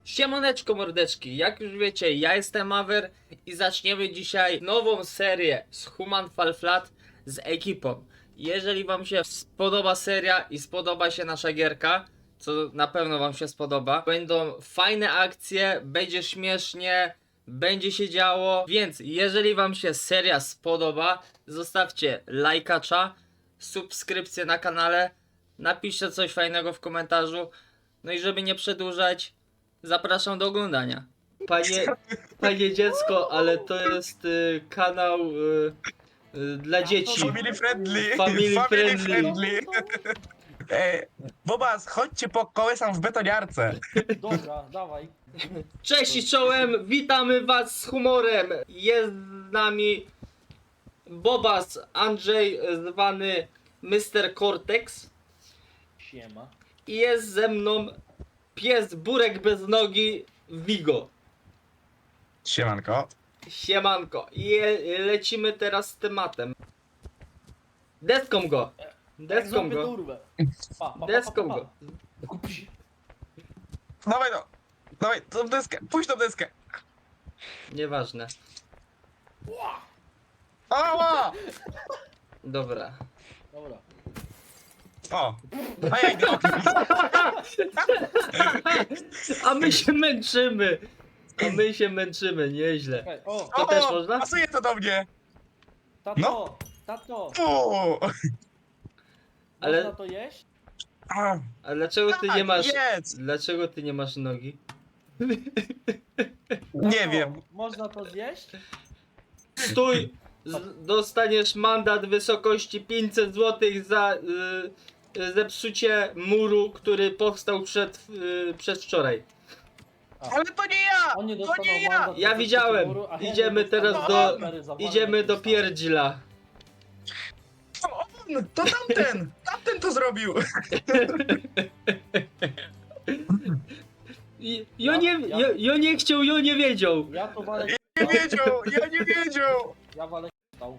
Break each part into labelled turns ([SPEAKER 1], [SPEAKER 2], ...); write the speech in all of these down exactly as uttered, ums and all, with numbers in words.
[SPEAKER 1] Siemoneczko mordeczki, jak już wiecie, ja jestem Aver i zaczniemy dzisiaj nową serię z Human Fall Flat z ekipą. Jeżeli wam się spodoba seria i spodoba się nasza gierka, co na pewno wam się spodoba, będą fajne akcje, będzie śmiesznie, będzie się działo, więc jeżeli wam się seria spodoba, zostawcie lajkacza, subskrypcję na kanale, napiszcie coś fajnego w komentarzu, no i żeby nie przedłużać, zapraszam do oglądania. Panie, panie dziecko, ale to jest y, kanał y, y, dla dzieci.
[SPEAKER 2] Family friendly.
[SPEAKER 1] Family friendly.
[SPEAKER 2] Ej, Bobas, chodźcie po kołysam w betoniarce.
[SPEAKER 3] Dobra, dawaj.
[SPEAKER 1] Cześć i czołem, witamy was z humorem. Jest z nami Bobas Andrzej, zwany mister Cortex.
[SPEAKER 3] Siema.
[SPEAKER 1] I jest ze mną pies Burek bez nogi Vigo.
[SPEAKER 2] Siemanko.
[SPEAKER 1] Siemanko. I je, lecimy teraz z tematem. Deską go. Deską
[SPEAKER 3] Złapię
[SPEAKER 1] go.
[SPEAKER 3] durwę. Pa, pa, pa,
[SPEAKER 1] Deską
[SPEAKER 3] pa, pa.
[SPEAKER 1] go.
[SPEAKER 3] Kupi.
[SPEAKER 2] Dawaj no. Dawaj, tą deskę. Puść tą deskę.
[SPEAKER 1] Nieważne.
[SPEAKER 2] Ała!
[SPEAKER 1] Dobra.
[SPEAKER 3] Dobra.
[SPEAKER 2] O. A ja idę oknem.
[SPEAKER 1] A my się męczymy. A my się męczymy, nieźle.
[SPEAKER 3] Czekaj, o,
[SPEAKER 1] To
[SPEAKER 2] O,
[SPEAKER 1] też można?
[SPEAKER 2] pasuje to do mnie.
[SPEAKER 3] tato,
[SPEAKER 2] No.
[SPEAKER 3] tato.
[SPEAKER 2] O.
[SPEAKER 1] Ale-
[SPEAKER 3] Można to jeść?
[SPEAKER 2] A,
[SPEAKER 1] A dlaczego ty nie
[SPEAKER 2] tak,
[SPEAKER 1] masz...
[SPEAKER 2] jedz.
[SPEAKER 1] Dlaczego ty nie masz nogi?
[SPEAKER 2] Nie
[SPEAKER 3] Tato,
[SPEAKER 2] wiem.
[SPEAKER 3] Można to zjeść?
[SPEAKER 1] Stój! Z, dostaniesz mandat wysokości pięćset złotych za y, y, zepsucie muru, który powstał przed, y, przedwczoraj.
[SPEAKER 2] Ale to nie ja!
[SPEAKER 3] On nie
[SPEAKER 2] To
[SPEAKER 3] dostawał
[SPEAKER 2] nie ja!
[SPEAKER 3] mandat
[SPEAKER 1] Ja
[SPEAKER 3] za
[SPEAKER 1] widziałem.
[SPEAKER 3] muru, a ja
[SPEAKER 1] Idziemy
[SPEAKER 3] nie
[SPEAKER 1] teraz
[SPEAKER 3] dostałem
[SPEAKER 2] do-
[SPEAKER 3] kamery za
[SPEAKER 1] Idziemy
[SPEAKER 3] walkę
[SPEAKER 1] do
[SPEAKER 3] dostałem.
[SPEAKER 1] pierdzila.
[SPEAKER 2] To on! To tamten! Tamten to zrobił!
[SPEAKER 1] I- Jo nie, jo, jo nie chciał, jo nie wiedział.
[SPEAKER 3] Ja to walę
[SPEAKER 2] Nie wiedział! Ja nie wiedział!
[SPEAKER 3] Ja walę stał.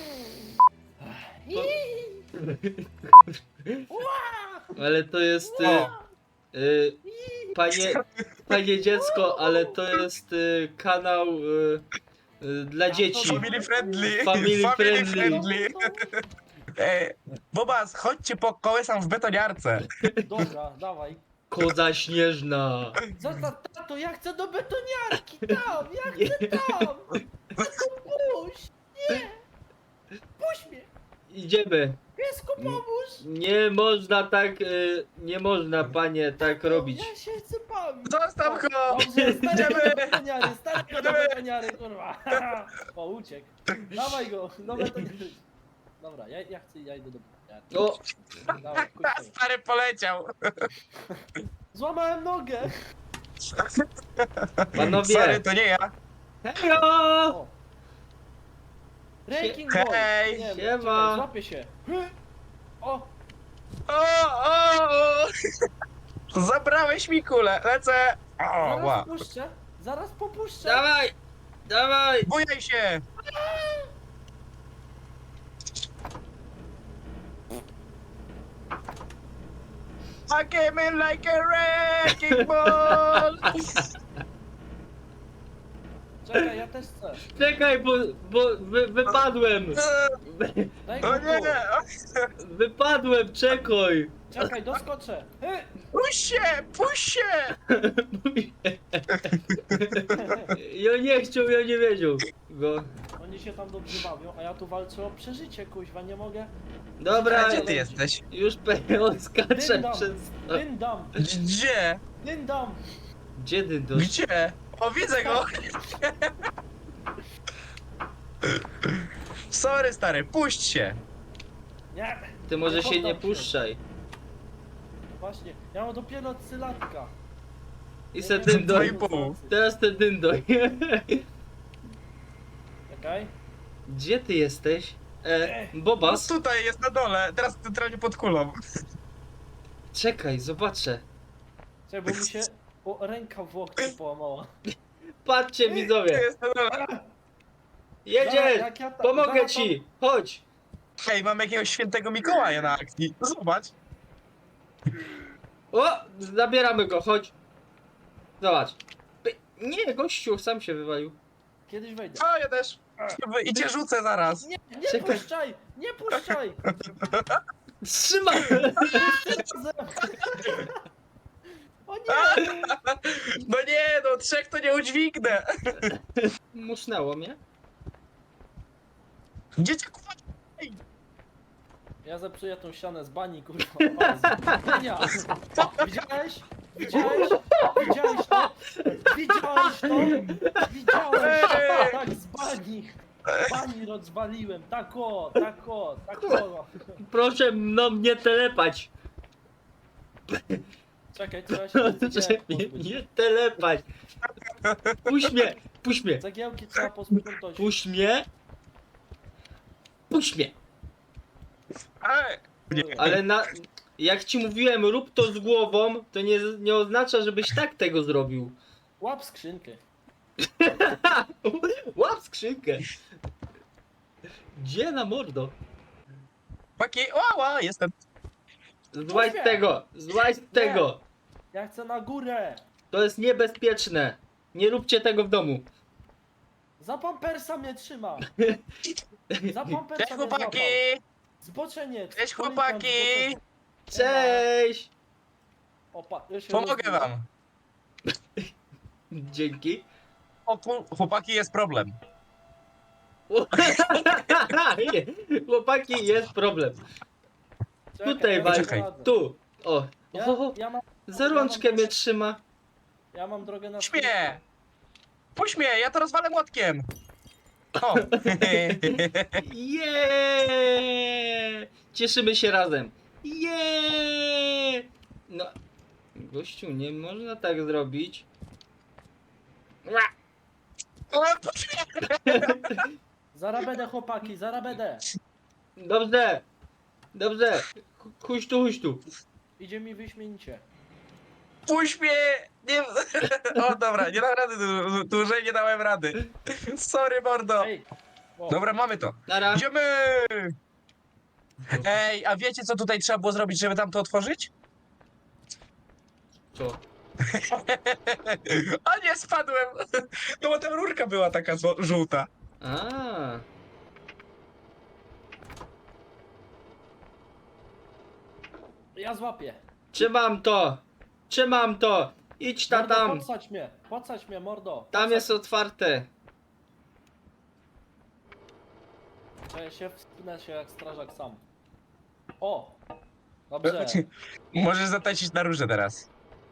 [SPEAKER 1] Ale to jest... Y,
[SPEAKER 2] O.
[SPEAKER 1] y, panie, panie dziecko, ale to jest y, kanał y, y, dla dzieci.
[SPEAKER 2] Family friendly.
[SPEAKER 1] Family friendly.
[SPEAKER 2] Ej, Bobas, chodźcie po kołysam w betoniarce.
[SPEAKER 3] Dobra, dawaj.
[SPEAKER 1] Koza śnieżna.
[SPEAKER 3] Co za tato, ja chcę do betoniarki, tam, ja chcę tam. Tato, puść, nie. Puść mnie,
[SPEAKER 1] Idziemy.
[SPEAKER 3] piesku, pomóż.
[SPEAKER 1] Nie można tak, y, nie można panie tak robić.
[SPEAKER 3] Ja się chcę bawić.
[SPEAKER 2] Zostaw go!
[SPEAKER 3] Dobrze, stary
[SPEAKER 2] Idziemy!
[SPEAKER 3] do betoniary, stary do betoniary, kurwa. O, uciekł. Dawaj go, do betoniary. Dobra, ja, ja chcę, ja idę do betoniary.
[SPEAKER 1] O,
[SPEAKER 3] Dawaj,
[SPEAKER 2] A,
[SPEAKER 3] kurczę.
[SPEAKER 2] stary poleciał.
[SPEAKER 3] Złamałem nogę.
[SPEAKER 1] panowie.
[SPEAKER 2] Sorry, to nie ja.
[SPEAKER 1] Hejo!
[SPEAKER 3] O. Ranking boy.
[SPEAKER 2] Hej.
[SPEAKER 3] Nie,
[SPEAKER 1] Siema.
[SPEAKER 3] czekaj, złapię się. O,
[SPEAKER 2] O, o, o. Zabrałeś mi kulę, lecę. O,
[SPEAKER 3] zaraz
[SPEAKER 2] ła.
[SPEAKER 3] puszczę, zaraz popuszczę.
[SPEAKER 1] Dawaj, dawaj.
[SPEAKER 2] Bujaj się. I came in like a wrecking ball.
[SPEAKER 3] Czekaj, ja też chcę.
[SPEAKER 1] Czekaj, bo, bo wy, wypadłem.
[SPEAKER 3] Daj
[SPEAKER 2] O
[SPEAKER 3] go
[SPEAKER 2] nie,
[SPEAKER 3] tu.
[SPEAKER 1] Wypadłem, czekaj.
[SPEAKER 3] Czekaj, doskoczę. Hy.
[SPEAKER 2] puść się, puść się.
[SPEAKER 1] Ja nie chciał, ja nie wiedział. Go.
[SPEAKER 3] Oni się tam dobrze bawią, a ja tu walczę o przeżycie, kuźwa, nie mogę.
[SPEAKER 1] Dobra,
[SPEAKER 2] Gdzie ty jesteś?
[SPEAKER 1] już on skacze
[SPEAKER 3] Dyndam,
[SPEAKER 1] przez...
[SPEAKER 3] dyndam,
[SPEAKER 2] Gdzie?
[SPEAKER 3] dyndam.
[SPEAKER 1] Gdzie dyndosz?
[SPEAKER 2] Gdzie? O, widzę go. Sorry, stary, puść się.
[SPEAKER 3] Nie,
[SPEAKER 1] Ty może się nie
[SPEAKER 3] poddam
[SPEAKER 1] puszczaj.
[SPEAKER 3] właśnie, ja mam dopiero cylatka.
[SPEAKER 1] I se dyndoj.
[SPEAKER 2] Dwa i pół.
[SPEAKER 1] Teraz ten dyndoj.
[SPEAKER 3] Czekaj.
[SPEAKER 1] Gdzie ty jesteś? E,
[SPEAKER 2] No
[SPEAKER 1] Bobas?
[SPEAKER 2] tutaj jest na dole, teraz centralnie pod kulą.
[SPEAKER 1] Czekaj, zobaczę.
[SPEAKER 3] Czekaj, bo mi się o, ręka w łokciu połamała.
[SPEAKER 1] Patrzcie
[SPEAKER 2] Tu
[SPEAKER 1] widzowie.
[SPEAKER 2] jest na dole.
[SPEAKER 3] Zaraz,
[SPEAKER 1] Jedziesz!
[SPEAKER 3] jak ja ta-
[SPEAKER 1] Pomogę
[SPEAKER 3] zaraz
[SPEAKER 1] ci! Chodź!
[SPEAKER 2] Hej, mamy jakiegoś świętego Mikołaja na akcji. Zobacz.
[SPEAKER 1] O! Zabieramy go, chodź! Zobacz. Py- Nie, gościu, sam się wywalił.
[SPEAKER 3] Kiedyś wejdę.
[SPEAKER 2] O, ja też. I cię rzucę zaraz.
[SPEAKER 3] Nie, nie
[SPEAKER 1] Czekaj.
[SPEAKER 3] puszczaj! Nie puszczaj!
[SPEAKER 1] Trzymaj!
[SPEAKER 3] Razem. O nie!
[SPEAKER 2] No nie, no trzech to nie udźwignę.
[SPEAKER 1] Musnęło mnie.
[SPEAKER 2] Gdzie cię kurwa?
[SPEAKER 3] Ja zepsuję tą ścianę z bani, kurwa. O, z bania. Widziałeś? Widziałeś? Widziałeś to? Widziałeś to? Widziałeś?
[SPEAKER 2] Ej!
[SPEAKER 3] Tak, z bani. Z bani rozwaliłem. Tak o, tak o, tak o.
[SPEAKER 1] Proszę mną nie telepać.
[SPEAKER 3] Czekaj, trzeba się
[SPEAKER 1] Proszę
[SPEAKER 3] cegiełek
[SPEAKER 1] mnie
[SPEAKER 3] pozbyć.
[SPEAKER 1] nie telepać. Puść mnie, puść mnie,
[SPEAKER 3] Cegiełki trzeba posprzątać.
[SPEAKER 1] puść mnie. Puść mnie.
[SPEAKER 2] Ej,
[SPEAKER 1] Ale na... Jak ci mówiłem, rób to z głową, to nie, nie oznacza, żebyś tak tego zrobił.
[SPEAKER 3] Łap skrzynkę.
[SPEAKER 1] Łap skrzynkę. Gdzie na mordo?
[SPEAKER 2] Paki, łała, jestem.
[SPEAKER 1] Złaź z
[SPEAKER 3] Puść mnie.
[SPEAKER 1] tego, złaź z tego.
[SPEAKER 3] Ja chcę na górę.
[SPEAKER 1] To jest niebezpieczne. Nie róbcie tego w domu.
[SPEAKER 3] Za pampersa mnie trzyma. Za pampersa
[SPEAKER 2] Cześć
[SPEAKER 3] mnie
[SPEAKER 2] chłopaki.
[SPEAKER 3] złapał. Zboczenie.
[SPEAKER 2] Cześć
[SPEAKER 3] policjant,
[SPEAKER 2] chłopaki.
[SPEAKER 3] zboczenie.
[SPEAKER 1] Cześć!
[SPEAKER 3] Opa, ja się
[SPEAKER 2] Pomogę
[SPEAKER 3] rozbiłem.
[SPEAKER 2] wam.
[SPEAKER 1] Dzięki.
[SPEAKER 2] O kur... chłopaki, jest problem.
[SPEAKER 1] Chłopaki, jest problem.
[SPEAKER 3] Czekaj,
[SPEAKER 1] Tutaj
[SPEAKER 3] ja
[SPEAKER 1] wal.
[SPEAKER 3] sobie
[SPEAKER 2] Czekaj.
[SPEAKER 3] poradzę.
[SPEAKER 1] Tu. O.
[SPEAKER 3] Ja,
[SPEAKER 1] o.
[SPEAKER 3] ja, mam,
[SPEAKER 1] Za rączkę mnie trzyma.
[SPEAKER 3] ja mam drogę na
[SPEAKER 2] Puść mnie. Puść mnie, ja to rozwalę młotkiem. O.
[SPEAKER 1] Jeee! Cieszymy się razem. Jeee! No. Gościu, nie można tak zrobić.
[SPEAKER 2] O, puść mnie.
[SPEAKER 3] Zaraz będę chłopaki, zaraz będę.
[SPEAKER 1] Dobrze. Dobrze. Chuś tu, chuś tu.
[SPEAKER 3] Idzie mi wyśmienicie.
[SPEAKER 2] Puść mnie. Nie... O dobra, nie dam rady, dłu- dłużej nie dałem rady. Sorry mordo.
[SPEAKER 3] Ej! O,
[SPEAKER 2] Dobra, mamy to.
[SPEAKER 1] Nara.
[SPEAKER 2] Idziemy! Ej, a wiecie co tutaj trzeba było zrobić, żeby tam to otworzyć?
[SPEAKER 1] Co?
[SPEAKER 2] A nie, spadłem! No bo tam rurka była taka zło- żółta.
[SPEAKER 1] A.
[SPEAKER 3] ja złapię.
[SPEAKER 1] Trzymam to. Trzymam to. Idź ta
[SPEAKER 3] Mordo,
[SPEAKER 1] tam.
[SPEAKER 3] Podsać mnie, podsać mnie, mordo.
[SPEAKER 1] Tam
[SPEAKER 3] Podsać-
[SPEAKER 1] jest otwarte.
[SPEAKER 3] Ja się wspinę się jak strażak sam. O! Dobrze.
[SPEAKER 2] Możesz zatańczyć na róże teraz.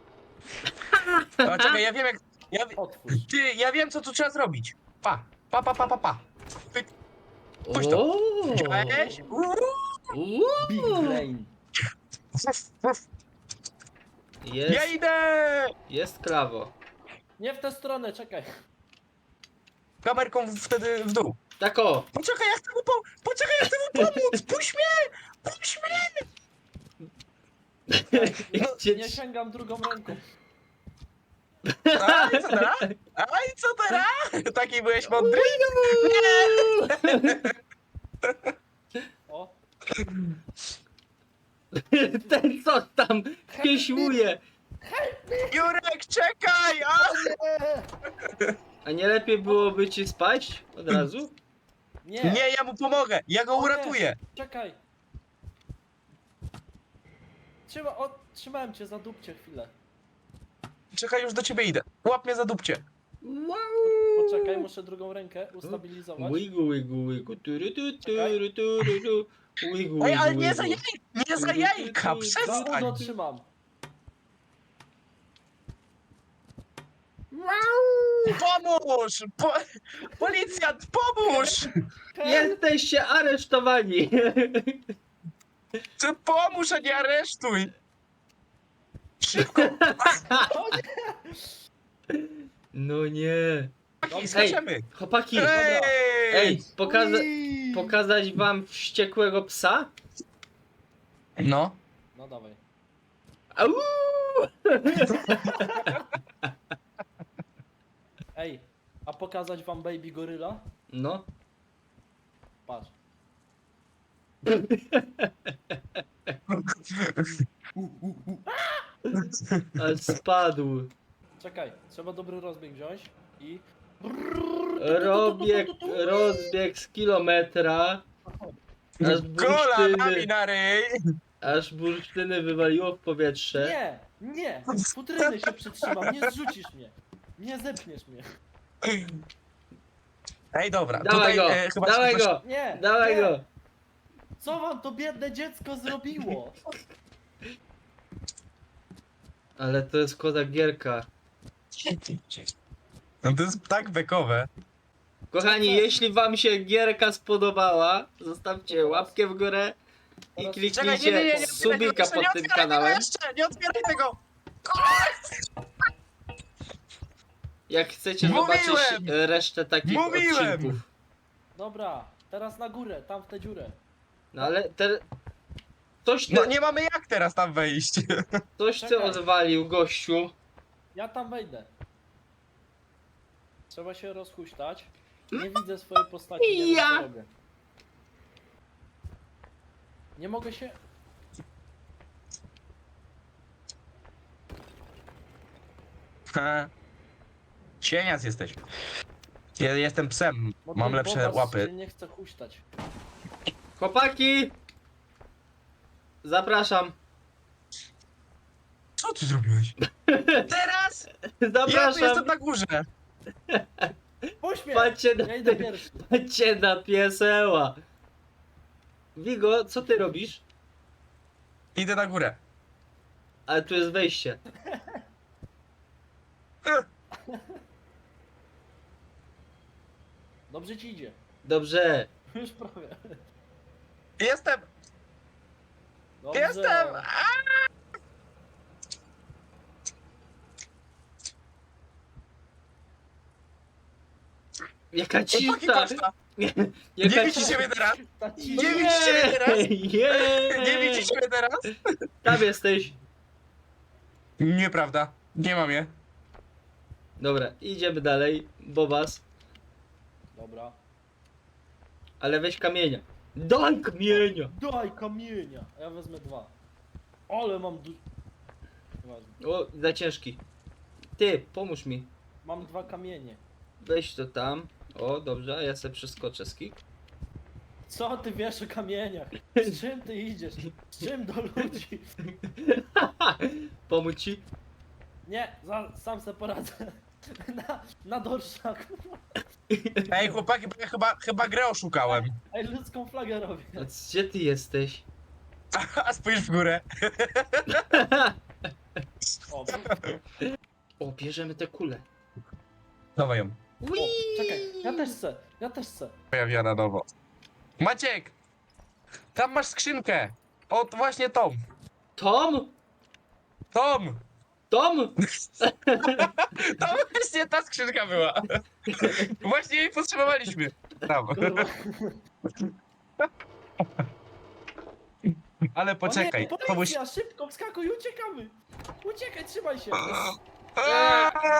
[SPEAKER 2] O, czekaj, ja wiem jak... Ja, wi-
[SPEAKER 3] Otwórz.
[SPEAKER 2] ty, ja wiem co tu trzeba zrobić. Pa, pa, pa, pa, pa, pa. Pyk. Puść to.
[SPEAKER 1] O.
[SPEAKER 2] Widziałeś? Uuu.
[SPEAKER 1] Uuu.
[SPEAKER 3] Big brain.
[SPEAKER 2] Uf, uf. Ja
[SPEAKER 1] Jest,
[SPEAKER 2] idę!
[SPEAKER 1] jest klawo.
[SPEAKER 3] Nie w tę stronę, czekaj.
[SPEAKER 2] Kamerką wtedy w dół.
[SPEAKER 1] Tak o.
[SPEAKER 2] Poczekaj, ja chcę mu, po... Poczekaj, ja chcę mu pomóc! Puść mnie! Puść mnie!
[SPEAKER 3] Nie,
[SPEAKER 1] Cię-
[SPEAKER 3] nie sięgam drugą ręką.
[SPEAKER 2] A i co teraz? A i co teraz? Taki byłeś mądry?
[SPEAKER 3] O!
[SPEAKER 1] Ten co tam pieśłuje.
[SPEAKER 2] Jurek, czekaj! A!
[SPEAKER 1] A nie lepiej byłoby ci spać od razu?
[SPEAKER 3] Nie!
[SPEAKER 2] Nie, ja mu pomogę! Ja go
[SPEAKER 3] O nie.
[SPEAKER 2] uratuję!
[SPEAKER 3] Czekaj! Trzyma, o, trzymałem cię za dupcie chwilę.
[SPEAKER 2] Czekaj, już do ciebie idę. Łap mnie za dupcie.
[SPEAKER 1] Wow.
[SPEAKER 3] Poczekaj, muszę drugą rękę ustabilizować.
[SPEAKER 1] Łygu, łygu, łygu, turu, tu, turu, turu, tu. Łygu,
[SPEAKER 2] Ej, ale
[SPEAKER 1] łygu,
[SPEAKER 2] nie za
[SPEAKER 1] łygu.
[SPEAKER 2] jaj... Nie za jajka!
[SPEAKER 3] Za
[SPEAKER 2] Przestań!
[SPEAKER 3] udo trzymam.
[SPEAKER 2] Pomóż! Po... Policjant, pomóż!
[SPEAKER 1] Jesteście aresztowani.
[SPEAKER 2] Ty pomóż, a nie aresztuj! Szybko!
[SPEAKER 1] No nie.
[SPEAKER 2] Chłopaki, skaczemy!
[SPEAKER 1] Chłopaki,
[SPEAKER 2] Ej!
[SPEAKER 1] ej, pokaza
[SPEAKER 3] Ui.
[SPEAKER 1] pokazać wam wściekłego psa?
[SPEAKER 2] No.
[SPEAKER 3] No dawaj.
[SPEAKER 1] Au!
[SPEAKER 3] Ej, a pokazać wam baby goryla?
[SPEAKER 1] No.
[SPEAKER 3] Patrz.
[SPEAKER 1] Ale spadł.
[SPEAKER 3] Czekaj, trzeba dobry rozbieg wziąć i...
[SPEAKER 1] Robieg, rozbieg z kilometra. Aż
[SPEAKER 2] Kolanami
[SPEAKER 1] bursztyny,
[SPEAKER 2] na ryj!
[SPEAKER 1] aż bursztyny wywaliło w powietrze.
[SPEAKER 3] Nie, nie, futryny się przytrzymam, nie zrzucisz mnie. Nie zepchniesz mnie.
[SPEAKER 2] Ej, dobra,
[SPEAKER 1] Dawaj
[SPEAKER 2] tutaj
[SPEAKER 1] go,
[SPEAKER 2] e, chyba
[SPEAKER 1] dawaj
[SPEAKER 2] szybko-
[SPEAKER 1] go,
[SPEAKER 3] Nie,
[SPEAKER 1] dawaj
[SPEAKER 3] nie.
[SPEAKER 1] go.
[SPEAKER 3] Co wam to biedne dziecko zrobiło?
[SPEAKER 1] Ale to jest koza gierka.
[SPEAKER 2] No to jest tak bekowe.
[SPEAKER 1] Kochani, jeśli wam się gierka spodobała, zostawcie łapkę w górę i
[SPEAKER 3] Teraz-
[SPEAKER 1] kliknijcie
[SPEAKER 2] Czekaj, nie, nie, nie, nie, nie,
[SPEAKER 1] subika
[SPEAKER 2] jeszcze
[SPEAKER 1] pod
[SPEAKER 2] nie
[SPEAKER 1] tym
[SPEAKER 2] otwieraj tego
[SPEAKER 1] kanałem.
[SPEAKER 2] jeszcze, nie otwieraj tego!
[SPEAKER 1] Jak chcecie
[SPEAKER 2] Mówiłem!
[SPEAKER 1] zobaczyć e, resztę takich
[SPEAKER 2] Mówiłem!
[SPEAKER 1] odcinków.
[SPEAKER 3] Dobra, teraz na górę, tam w tę dziurę.
[SPEAKER 1] No ale te... Coś ty,
[SPEAKER 2] No nie mamy jak teraz tam wejść.
[SPEAKER 1] coś ty
[SPEAKER 3] Czekaj.
[SPEAKER 1] odwalił, gościu.
[SPEAKER 3] Ja tam wejdę. Trzeba się rozhuśtać. Nie widzę swojej postaci, nie wiem
[SPEAKER 1] Ja.
[SPEAKER 3] co robię. Nie mogę się...
[SPEAKER 2] Ha. Cieniac jesteś. Ja jestem psem,
[SPEAKER 3] bo
[SPEAKER 2] mam
[SPEAKER 3] ten
[SPEAKER 2] lepsze
[SPEAKER 3] bobas
[SPEAKER 2] łapy.
[SPEAKER 3] się nie chce huśtać.
[SPEAKER 1] Chłopaki! Zapraszam.
[SPEAKER 2] Co ty zrobiłeś? Teraz? Ja tu
[SPEAKER 1] Zapraszam.
[SPEAKER 2] jestem na górze.
[SPEAKER 3] Pośmiech!
[SPEAKER 1] Patrzcie na,
[SPEAKER 3] Ja idę pierwszy.
[SPEAKER 1] patrzcie na pieseła. Wigo, co ty robisz?
[SPEAKER 2] Idę na górę.
[SPEAKER 1] Ale tu jest wejście.
[SPEAKER 3] Dobrze ci idzie.
[SPEAKER 1] Dobrze.
[SPEAKER 3] Już prawie.
[SPEAKER 2] Jestem!
[SPEAKER 3] Dobrze.
[SPEAKER 2] Jestem!
[SPEAKER 1] Jaka
[SPEAKER 2] Chłopaki,
[SPEAKER 1] cisza.
[SPEAKER 2] paszta!
[SPEAKER 1] Jaka
[SPEAKER 2] Nie widzicie mnie teraz?
[SPEAKER 3] Ta ci...
[SPEAKER 2] Nie widzicie mnie teraz?
[SPEAKER 1] Jej!
[SPEAKER 2] Nie widzicie mnie teraz?
[SPEAKER 1] Tam jesteś.
[SPEAKER 2] Nieprawda. Nie mam je.
[SPEAKER 1] Dobra, idziemy dalej. Bobas.
[SPEAKER 3] Dobra.
[SPEAKER 1] Ale weź kamienia. Daj kamienia!
[SPEAKER 3] Daj kamienia! A ja wezmę dwa. Ale mam du... Nieważne.
[SPEAKER 1] O, za ciężki. Ty, pomóż mi.
[SPEAKER 3] Mam dwa kamienie.
[SPEAKER 1] Weź to tam. O, dobrze, a ja sobie przeskoczę skik.
[SPEAKER 3] Co ty wiesz o kamieniach? Z czym ty idziesz? Z czym do ludzi?
[SPEAKER 1] Pomóc ci?
[SPEAKER 3] Nie, za, sam se poradzę. Na, na dorszaku.
[SPEAKER 2] Ej, chłopaki, bo ja chyba, chyba grę oszukałem.
[SPEAKER 3] Ej, ludzką flagę robię.
[SPEAKER 1] A gdzie ty jesteś?
[SPEAKER 2] A spójrz w górę.
[SPEAKER 3] O,
[SPEAKER 1] O, bierzemy te kule.
[SPEAKER 2] Dawaj ją.
[SPEAKER 3] o, czekaj, ja też chcę, ja też chcę.
[SPEAKER 2] Pojawia na nowo. Maciek! Tam masz skrzynkę. O, to właśnie tą.
[SPEAKER 1] Tom?
[SPEAKER 2] Tom!
[SPEAKER 1] Tom?
[SPEAKER 2] To właśnie ta skrzynka była. Właśnie jej potrzebowaliśmy. Tam.
[SPEAKER 3] Kurwa.
[SPEAKER 2] Ale
[SPEAKER 3] O
[SPEAKER 2] poczekaj.
[SPEAKER 3] nie,
[SPEAKER 2] To musi...
[SPEAKER 3] policja, szybko, wskakuj, uciekamy. Uciekaj, trzymaj się.
[SPEAKER 2] Aaaa!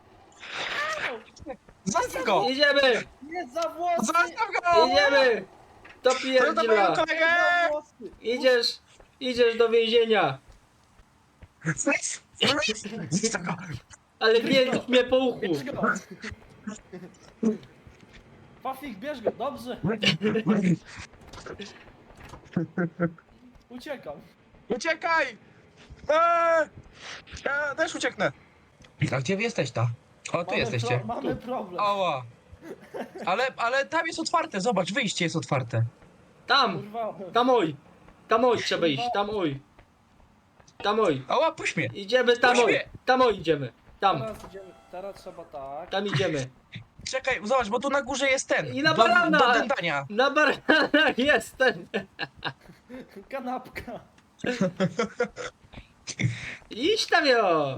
[SPEAKER 2] Zostaw go!
[SPEAKER 1] Idziemy!
[SPEAKER 3] Nie za włosy!
[SPEAKER 2] Zostaw go!
[SPEAKER 1] Idziemy! To
[SPEAKER 2] Co to moją
[SPEAKER 1] pierdziela!
[SPEAKER 2] kolegę?
[SPEAKER 3] Nie za włosy!
[SPEAKER 1] Idziesz! Idziesz do więzienia!
[SPEAKER 2] Zostaw go!
[SPEAKER 1] Ale nie rób mnie po uchu!
[SPEAKER 3] Bierz go! Pafik, bierz go, dobrze. Uciekam.
[SPEAKER 2] Uciekaj! Eee! Ja też ucieknę. A gdzie wy jesteś ta? O, tu
[SPEAKER 3] Mamy
[SPEAKER 2] jesteście.
[SPEAKER 3] Pro, mamy problem.
[SPEAKER 2] Ała. Ale, ale tam jest otwarte, zobacz, wyjście jest otwarte.
[SPEAKER 1] Tam!
[SPEAKER 3] Kurwa.
[SPEAKER 1] Tam oj! Tam oj trzeba iść, tam oj! Tam oj!
[SPEAKER 2] Ała, puść mnie.
[SPEAKER 1] Idziemy tam oj! Tam oj idziemy! Tam!
[SPEAKER 3] Teraz idziemy, teraz trzeba tak.
[SPEAKER 1] Tam idziemy!
[SPEAKER 2] Czekaj, zobacz, bo tu na górze jest ten.
[SPEAKER 1] I na
[SPEAKER 2] do,
[SPEAKER 1] barana.
[SPEAKER 2] do dętania.
[SPEAKER 1] Na baranach jest ten!
[SPEAKER 3] Kanapka.
[SPEAKER 1] Idź tam jo!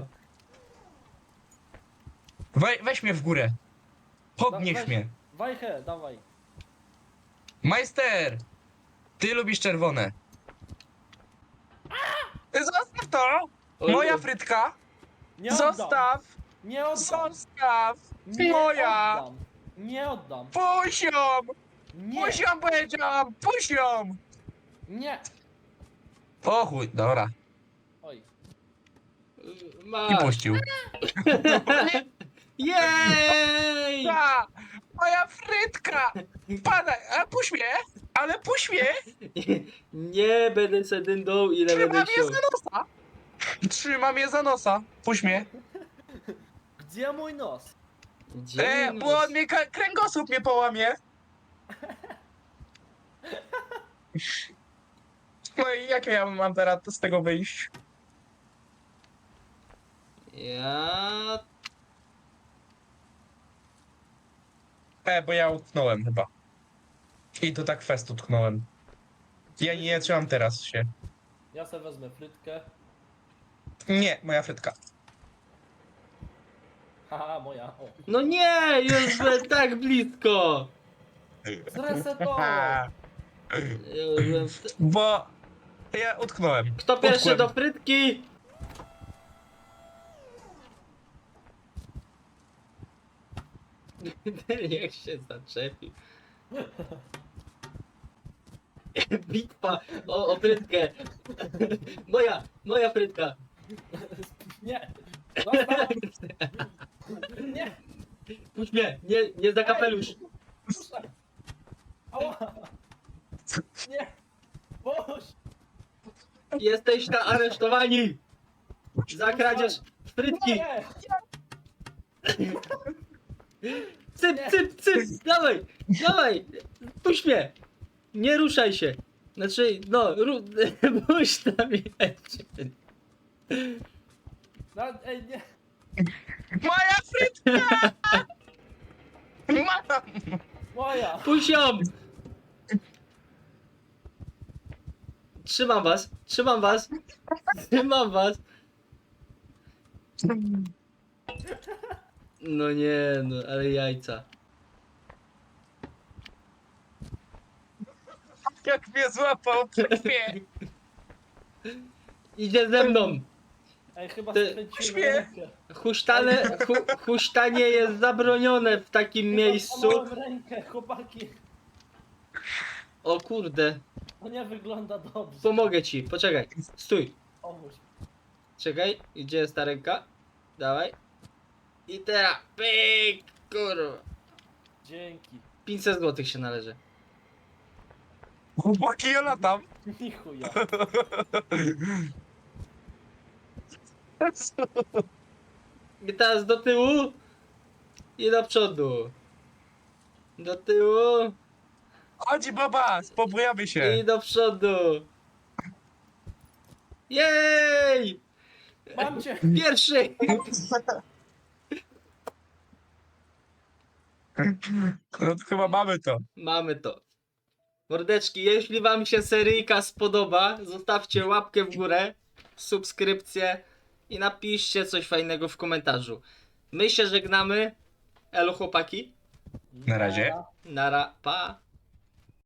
[SPEAKER 2] We, weź mnie w górę. Podnieś
[SPEAKER 3] weź.
[SPEAKER 2] mnie.
[SPEAKER 3] Wajchę, dawaj.
[SPEAKER 2] Majster! Ty lubisz czerwone. Zostaw to!
[SPEAKER 1] Oj,
[SPEAKER 2] Moja
[SPEAKER 1] oj.
[SPEAKER 2] frytka!
[SPEAKER 3] Nie oddam.
[SPEAKER 2] Zostaw!
[SPEAKER 3] Nie oddam.
[SPEAKER 2] Zostaw!
[SPEAKER 3] Nie
[SPEAKER 2] Moja!
[SPEAKER 3] oddam. Nie oddam.
[SPEAKER 2] Puść ją!
[SPEAKER 3] Nie.
[SPEAKER 2] Puść ją, powiedziałam! Puść ją!
[SPEAKER 3] Nie.
[SPEAKER 2] O chuj, dobra.
[SPEAKER 3] Oj.
[SPEAKER 2] I
[SPEAKER 1] Masz.
[SPEAKER 2] puścił.
[SPEAKER 1] Jej!
[SPEAKER 2] A, moja frytka! Pana, a puść mnie! Ale puść mnie!
[SPEAKER 1] Nie będę se dyndą, ile
[SPEAKER 2] Trzyma
[SPEAKER 1] będę
[SPEAKER 2] mnie
[SPEAKER 1] chciał.
[SPEAKER 2] za nosa! Trzyma mnie za nosa! Puść mnie!
[SPEAKER 3] Gdzie mój nos?
[SPEAKER 1] Gdzie
[SPEAKER 2] E,
[SPEAKER 1] mój
[SPEAKER 2] bo
[SPEAKER 1] nos?
[SPEAKER 2] on mnie, ka- kręgosłup mnie połamie! No i jak ja mam teraz z tego wyjść?
[SPEAKER 1] Ja...
[SPEAKER 2] E, bo ja utknąłem chyba. I to tak fest utknąłem. Ja nie trzymam teraz się.
[SPEAKER 3] Ja sobie wezmę frytkę.
[SPEAKER 2] Nie, moja frytka.
[SPEAKER 3] Haha, moja. O.
[SPEAKER 1] No nie, już byłem tak blisko.
[SPEAKER 3] Zresetował!
[SPEAKER 1] Ja już byłem w te...
[SPEAKER 2] Bo ja utknąłem.
[SPEAKER 1] Kto pierwszy
[SPEAKER 2] Utkłem.
[SPEAKER 1] do frytki? Niech się zaczepi. Bitwa o, o frytkę. Moja, moja frytka.
[SPEAKER 3] Nie! Zostaw! Nie!
[SPEAKER 1] Puść mnie, nie, nie za kapelusz.
[SPEAKER 3] Puszczaj! Ała! Nie! Puść!
[SPEAKER 1] Jesteście aresztowani za kradzież frytki.
[SPEAKER 3] Nie!
[SPEAKER 1] Cyp, cyp, cyp, dawaj, dawaj, puść mnie. Nie ruszaj się. Znaczy, no, ru... puść tam jeszcze.
[SPEAKER 3] No, ej, nie!
[SPEAKER 2] Moja frytka! Mam!
[SPEAKER 3] Moja!
[SPEAKER 1] Puść ją. Trzymam was, trzymam was, trzymam was. No nie, no, ale jajca.
[SPEAKER 2] Jak mnie złapał przy krwie.
[SPEAKER 1] Idzie ze mną.
[SPEAKER 3] Ej, chyba
[SPEAKER 1] Ty-
[SPEAKER 3] skręciłem
[SPEAKER 2] Śmiech.
[SPEAKER 3] rękę.
[SPEAKER 1] Huśtane, hu, huśtanie jest zabronione w takim
[SPEAKER 3] Chyba
[SPEAKER 1] miejscu.
[SPEAKER 3] złamałem rękę, chłopaki.
[SPEAKER 1] O kurde,
[SPEAKER 3] To nie wygląda dobrze.
[SPEAKER 1] pomogę ci, poczekaj, stój.
[SPEAKER 3] Pomóż.
[SPEAKER 1] Czekaj, gdzie jest ta ręka? Dawaj. I teraz, pyk, kurwa.
[SPEAKER 3] Dzięki.
[SPEAKER 1] pięćset złotych się należy.
[SPEAKER 2] Chłopaki, ja latam.
[SPEAKER 3] Ni chuja.
[SPEAKER 1] I teraz do tyłu i do przodu. Do tyłu
[SPEAKER 2] Chodź baba, spobujamy się.
[SPEAKER 1] i do przodu. Jej!
[SPEAKER 3] Mam cię!
[SPEAKER 1] Pierwszy!
[SPEAKER 2] No to chyba mamy to.
[SPEAKER 1] Mamy to. Mordeczki, jeśli wam się seryjka spodoba, zostawcie łapkę w górę, subskrypcję i napiszcie coś fajnego w komentarzu. My się żegnamy. Elo chłopaki.
[SPEAKER 2] Na razie.
[SPEAKER 1] Nara, pa.